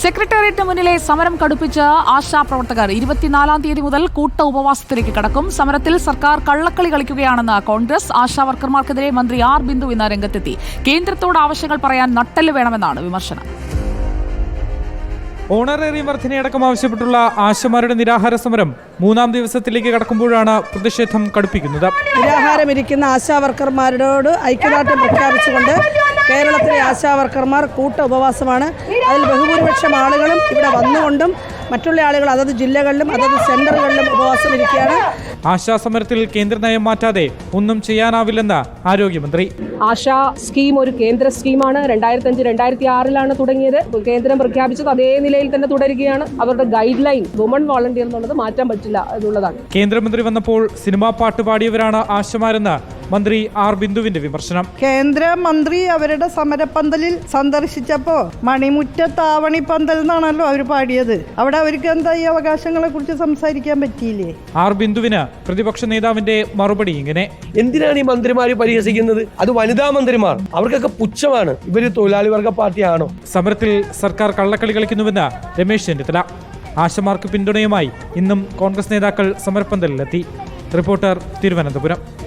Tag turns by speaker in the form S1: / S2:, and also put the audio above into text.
S1: സെക്രട്ടേറിയറ്റിന് മുന്നിലെ സമരം കടുപ്പിച്ച് ആശാപ്രവർത്തകർ 24-ാം തീയതി മുതൽ കൂട്ട ഉപവാസത്തിലേക്ക് കടക്കും. സമരത്തിൽ സർക്കാർ കള്ളക്കളി കളിക്കുകയാണെന്ന് കോൺഗ്രസ്. ആശാ വർക്കർമാർക്കെതിരെ മന്ത്രി ആർ ബിന്ദു ഇന്ന് രംഗത്തെത്തി. കേന്ദ്രത്തോട് ആവശ്യങ്ങൾ പറയാൻ നട്ടെല്ല് വേണമെന്നാണ് വിമർശനം.
S2: ഓണറേറിയം വർധനയടക്കം ആവശ്യപ്പെട്ടുള്ള ആശമാരുടെ നിരാഹാര സമരം 3-ാം ദിവസത്തിലേക്ക് കടക്കുമ്പോഴാണ് പ്രതിഷേധം കടുപ്പിക്കുന്നത്.
S3: നിരാഹാരമിരിക്കുന്ന ആശാ വർക്കർമാരോട് ഐക്യദാർഢ്യം പ്രഖ്യാപിച്ചുകൊണ്ട് കേരളത്തിലെ ആശാ വർക്കർമാർ കൂട്ട ഉപവാസമാണ്. അതിൽ ബഹുഭൂരിപക്ഷം ആളുകളും ഇവിടെ വന്നുകൊണ്ടും മറ്റുള്ള ആളുകൾ അതത് ജില്ലകളിലും അതത് സെന്ററുകളിലും ഉപവാസം ഇരിക്കുകയാണ്.
S2: ആശാ സമരത്തിൽ കേന്ദ്ര നയം മാറ്റാതെ ഒന്നും ചെയ്യാനാവില്ലെന്ന് ആരോഗ്യമന്ത്രി.
S4: ആശാ സ്കീം ഒരു കേന്ദ്ര സ്കീമാണ്. 2005-2006 തുടങ്ങിയത്. കേന്ദ്രം പ്രഖ്യാപിച്ചത് അതേ നിലയിൽ തന്നെ തുടരുകയാണ്. അവരുടെ ഗൈഡ് ലൈൻ വുമൺ വോളണ്ടിയർ എന്നുള്ളത് മാറ്റാൻ പറ്റില്ല എന്നുള്ളതാണ്.
S2: കേന്ദ്രമന്ത്രി വന്നപ്പോൾ സിനിമാ പാട്ട് പാടിയവരാണ് ആശമാരെന്ന് മന്ത്രി ആർ ബിന്ദുവിന്റെ വിമർശനം.
S3: കേന്ദ്രമന്ത്രി അവരുടെ സമരപ്പന്തലിൽ സന്ദർശിച്ചപ്പോ മണിമുറ്റത്താവണി പന്തൽ എന്നാണല്ലോ അവർ പാടിയത്. അവിടെ അവർക്ക് എന്താ ഈ അവകാശങ്ങളെ കുറിച്ച് സംസാരിക്കാൻ പറ്റിയില്ലേ?
S2: ആർ ബിന്ദുവിന് പ്രതിപക്ഷ നേതാവിന്റെ മറുപടി ഇങ്ങനെ:
S5: എന്തിനാണ് ഈ മന്ത്രിമാര് പരിഹസിക്കുന്നത്? അത് വനിതാ മന്ത്രിമാർ, അവർക്കൊക്കെ പുച്ഛമാണ്. ഇവര് തൊഴിലാളി വർഗ പാർട്ടിയാണോ?
S2: സമരത്തിൽ സർക്കാർ കള്ളക്കളി കളിക്കുന്നുവെന്ന് രമേശ് ചെന്നിത്തല. ആശമാർക്ക് പിന്തുണയുമായി ഇന്നും കോൺഗ്രസ് നേതാക്കൾ സമരപ്പന്തലിലെത്തി. റിപ്പോർട്ടർ, തിരുവനന്തപുരം.